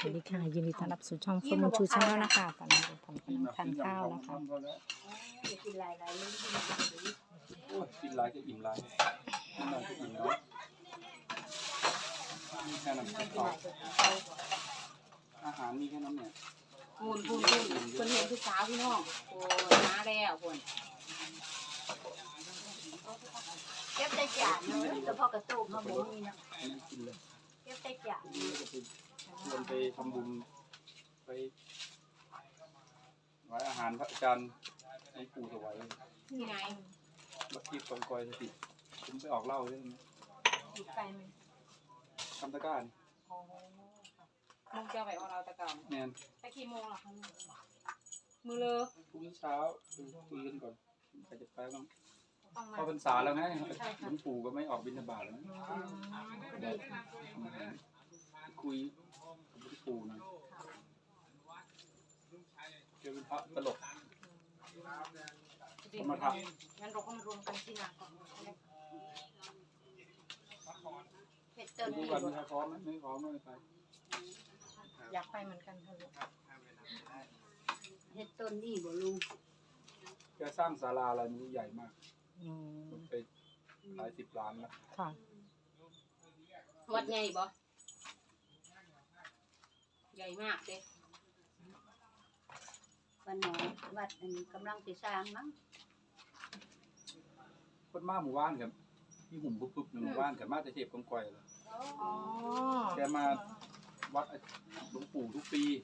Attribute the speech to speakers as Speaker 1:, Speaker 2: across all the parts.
Speaker 1: วัสดีค่ะยินดีต้อนรับสู่ช่องเฟิร์มชูชาแนลนะคะตอนนี้ผมกำลังทานข้าวนะคะ
Speaker 2: กินหลายๆมื้อ
Speaker 3: โอ้ยกินหลายก็อิ่มหลายกินหลายก็อิ่มน้อยมีแค่นั้นอาหารมีแค่นั้นเนี่ย
Speaker 2: คุณคนเห็นผู้สาวพี่น้องโอ้มาแล้วคนเก็บได้จานเนาะแต่พอกระตุกมาบ่มีเนาะ
Speaker 3: อันนี้กินเลย
Speaker 2: เก็บได้จาน
Speaker 3: อันนี้ก็ไปชวนไปทำบุญไปไว้อาหารพระอาจารย์ให้ปู่ถวาย
Speaker 2: ที่ไหน
Speaker 3: วัดทิพย์กองกอยสติผมไปออกเหล้าด้วยนะ
Speaker 2: อยู่ไกลมั้ย
Speaker 3: คำตะกร้านี่
Speaker 2: อ๋อมึงจะไปเอาเราตะกอน
Speaker 3: แมน
Speaker 2: ไปกี่โมงล่ะคะมื้อเลอ
Speaker 3: พรุ่งนี้เช้าคุยกันก่อนใครจะไปบ้าง
Speaker 2: ต้องมา
Speaker 3: เข้าพรรษาแล้วไงหลวงปู่ก็ไม่ออกบิณฑบาตแล้วนะ
Speaker 2: ก็ดีค่ะ
Speaker 3: คุยกับหลวงปู่หนะเจอเป็นพระตลก
Speaker 2: มาทำงั้นเราก็มารวมกันที่นาก่อนเฮ็ดต้น
Speaker 3: ดู
Speaker 2: นี่
Speaker 3: ก่อนมีใครพร้อมไหมไม่พร้อมไม่ไป
Speaker 2: อยากไปเหมือนกันค่ะลูกเฮ็ดต้นนี่บ่ลุง
Speaker 3: แกสร้างศาลาอะไรนี้ใหญ่มาก
Speaker 1: อืม
Speaker 3: มันไปหลายสิบล้านแล้ว
Speaker 1: ค่ะ
Speaker 2: วัดใหญ่บ่ใหญ่มากเด้วันหนอวัดอันกำลังสิสร้างมั้ง
Speaker 3: คนมาหมู่บ้านกับที่หุ่มปุ๊บๆในหมู่บ้านกับมาจะเทพกองกอยเลย
Speaker 2: อ๋อ
Speaker 3: แกมาวัดหลวงปู่ทุกปี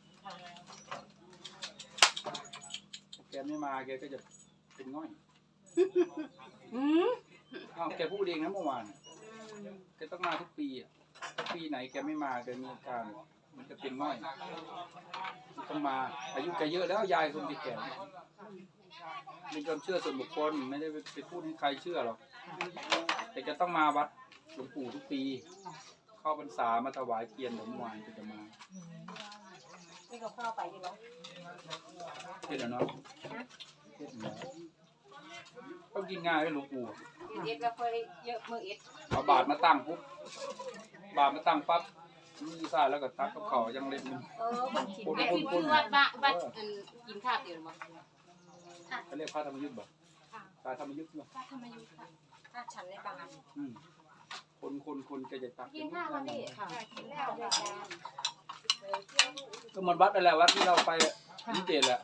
Speaker 3: แกไม่มาแกก็จะเป็นง่อย
Speaker 2: อืม
Speaker 3: อ้าวแกพูดเองนะเมื่อวานแกต้องมาทุกปีอ่ะถ้าปีไหนแกไม่มาแกมีอาการมันจะเป็นง่อยต้องมาอายุแกเยอะแล้วยายคนที่แก่มีความเชื่อส่วนบุคคลไม่ได้ไปพูดให้ใครเชื่อหรอกแต่จะต้องมาวัดหลวงปู่ทุกปี เข้าพรรษามาถวายเทียนหลวงวานก็จะมา
Speaker 2: นี่ก็เข้าไปอยู่แล้ว
Speaker 3: เฮ็ดแล้วเนาะเฮ็ดแล้วต้องกินง่ายเลยหลวงปู่
Speaker 2: เอ็ดแล้วค่อยเยอะมื้อเอ็ด
Speaker 3: เอาบาทมาตั้งปุ๊บบาทมาตั้งปั๊บมีซ่าแล้วก็ตักกับเขาวยังเล็กนึง
Speaker 2: คนกินไอ้ที่ชื่อวัดอันกินข้าวเดียวบ่
Speaker 3: เขาเรียกพระธรรมยุทธ์บ่พระธรรมยุทธ์บ่
Speaker 2: พระธรรมยุทธ์ค่ะถ้าฉันในบางอัน
Speaker 3: คนก็จะตัก
Speaker 2: กินข้าววันนี้ค่ะกินแล้วค่ะ
Speaker 3: ก็เหมือนวัดอะไรวัดที่เราไปนิเจตแหละ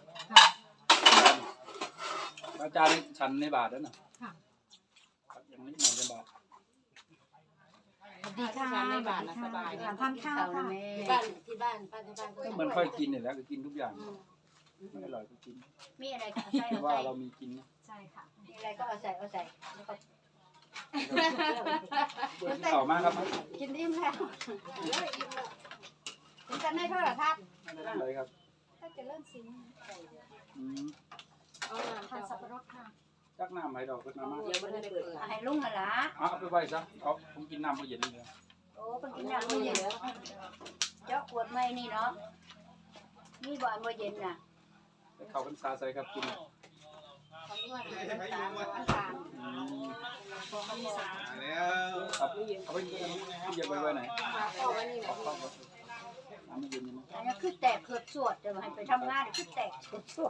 Speaker 3: อาจารย์ฉันในบาทแล้วน่ะยังไม่มาในบาท
Speaker 1: ดีค่ะ
Speaker 2: ในบ้านนะสบาย
Speaker 1: ทานข้าวค่ะ
Speaker 2: ที่บ้านป้าที่บ้าน
Speaker 3: ก็เหมือนค่อยกินนี่แหละก็กินทุกอย่างไม่อร่อยก็กิน
Speaker 2: มีอะไรก็ใส่
Speaker 3: แต่ว่าเรามีกินนะ
Speaker 1: ใช่ค่ะ
Speaker 2: มีอะไรก็เอาใส่แล้วก็
Speaker 3: เบื่อที่เก่ามากครับ
Speaker 2: กินอิ่มแล้วคุณจะได้เท่าไหร่ครับ
Speaker 3: ไม่ได้เลยครับ
Speaker 2: ถ้าจะเริ่มซิม
Speaker 1: ทานสับปะรดค่ะ
Speaker 3: จักน้ำให้เราก็น้ำมาก
Speaker 2: เดี๋ยวมันจะเปิดให้ลุงน่ะล่ะ
Speaker 3: เอาไปไว้ซะเอาผมกินน้ำเย็นนี่เลย
Speaker 2: โอ้คนกินน้ำมื้อเย็นเจาะขวดใหม่นี่เนาะนี่บ่มื้อเย็นน่ะ
Speaker 3: ไปเข้าพรรษาใส่ครับกิน
Speaker 2: คำนวณน้ำตาล
Speaker 3: ครับเอาไปกินที่เย็นไว้ไหน
Speaker 2: เอาไว้นี่แหละ
Speaker 3: น้ำมันเย็นยังไง
Speaker 2: อันนี้คือแตกเกิดสวดแต่ว่าให้ไปทำงานคือแตกเกิดสวด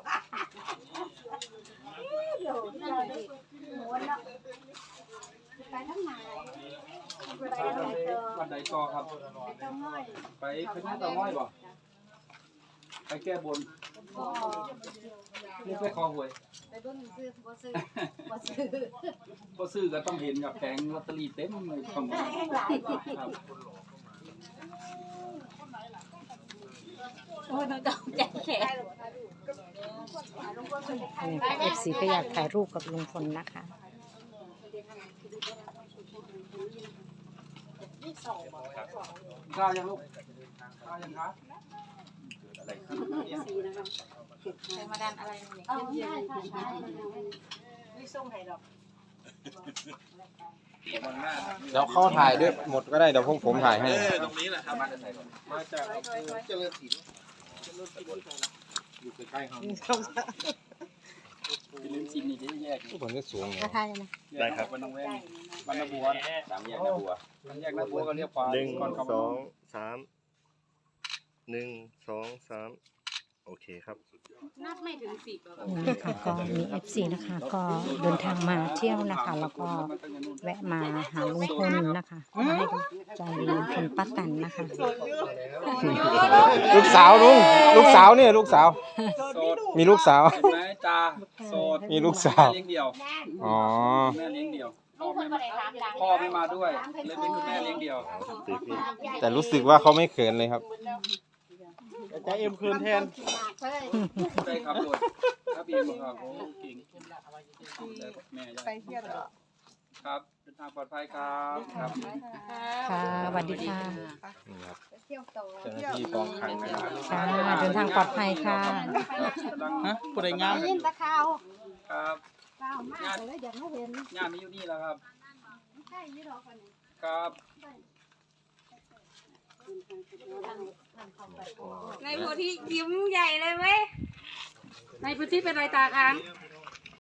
Speaker 2: เดี๋ยวเราหมูเนาะไปทำงานไปทำงานเจอ
Speaker 3: วันใดต่อครับ
Speaker 2: ไปต้องง่อย
Speaker 3: ไปพญาเต่าง้อยบ่ไปแก้บน
Speaker 2: ก็
Speaker 3: นี่ไปคอหวย
Speaker 2: ไปเบิ่งซื้อบ่ซื้อ
Speaker 3: ก็ซื้อก็ต้องเห็นกับแผงลอตเตอรี่เต็มเลยของ
Speaker 2: แห้งหลายบ่
Speaker 3: ครับ
Speaker 2: โอ้ยต้องแจกแขก
Speaker 1: เอฟซีก็อยากถ่ายรูปกับลุงพลนะคะ
Speaker 3: ข้าวยังลูกข้าวยังครับ
Speaker 2: ใส่มาดันอะไรเนี่ยเอาใช่ค่ะไม่ส่งให้ดอก
Speaker 4: เดี๋ยวเข้าถ่ายด้วยหมดก็ได้เดี๋ยวผมถ่ายให้
Speaker 5: ตรงนี้แหละครับ
Speaker 3: มาจากไหนก่อน
Speaker 5: มาจากเจริญศิลป์อยู่ใกล้ๆเขา
Speaker 3: เป็นลิ้นจีนนี่ที่แยก
Speaker 4: ทุกคนก็สูงเลย
Speaker 1: ก็ถ่ายเลยนะ
Speaker 3: ได้ครับวันน้องแว่นวันนาบัว
Speaker 4: สามแยกนะบัว
Speaker 3: วันแยกนาบัวก็เรียกขวา
Speaker 4: หนึ่ง
Speaker 3: ก่อนเข้า
Speaker 4: สองสาม
Speaker 5: 1 2 3โอเคครับ
Speaker 2: นับไม่ถึง10แล้ว
Speaker 1: นี่นะคะก็มี FC นะคะ ก็เดินทางมาเที่ยวนะคะ แล้วก็แวะมาหาลุงพลนะคะมาให้กำลังใจลุงพลป้าแตนนะคะ
Speaker 4: ลูกสาวลุงลูกสาวเนี่ยลูกสาว
Speaker 3: โสด
Speaker 4: มีลูกสาว
Speaker 3: เห็นไหมจ้าโสด
Speaker 4: มีลูกสาว
Speaker 3: แม่เลี้ยงเดี่ยว
Speaker 4: อ๋อ
Speaker 3: แม่เลี้ยงเดี่ยว
Speaker 2: ลุงคนก็ได้ถามดัง
Speaker 3: พ่อไม่มาด้วยเลยเป็นคุณแม่เลี้ยงเดี่ยว
Speaker 4: แต่รู้สึกว่าเขาไม่เขินเลยครับ
Speaker 5: ใจเอ็มคืนแทน
Speaker 3: ใช่ครับโดดครับเองครับโอ้เก่งแต่แม่ไปเที่ยวครับเดินทางปลอดภัยครับครับ
Speaker 1: ค่ะสวัสดีค่ะ
Speaker 4: นี่ครับ
Speaker 2: เที่ยวต่อ
Speaker 4: เจ้าหน้าที่กองขังนะครับ
Speaker 1: ค่ะเดินทางปลอดภัยค่ะ
Speaker 3: ฮะ
Speaker 5: ผู้ใดงาม
Speaker 2: ยินตะข่าว
Speaker 3: ครับ
Speaker 2: ข่าวมากเลยอยากให้เห็น
Speaker 3: งานมีอยู่นี่แล้วครับ
Speaker 2: ใช่ยี่หรอคนนี้
Speaker 3: ครับ
Speaker 2: ในโพธิยิ้มใหญ่เลยไหมในพื้นที่เป็นไรตาค้าง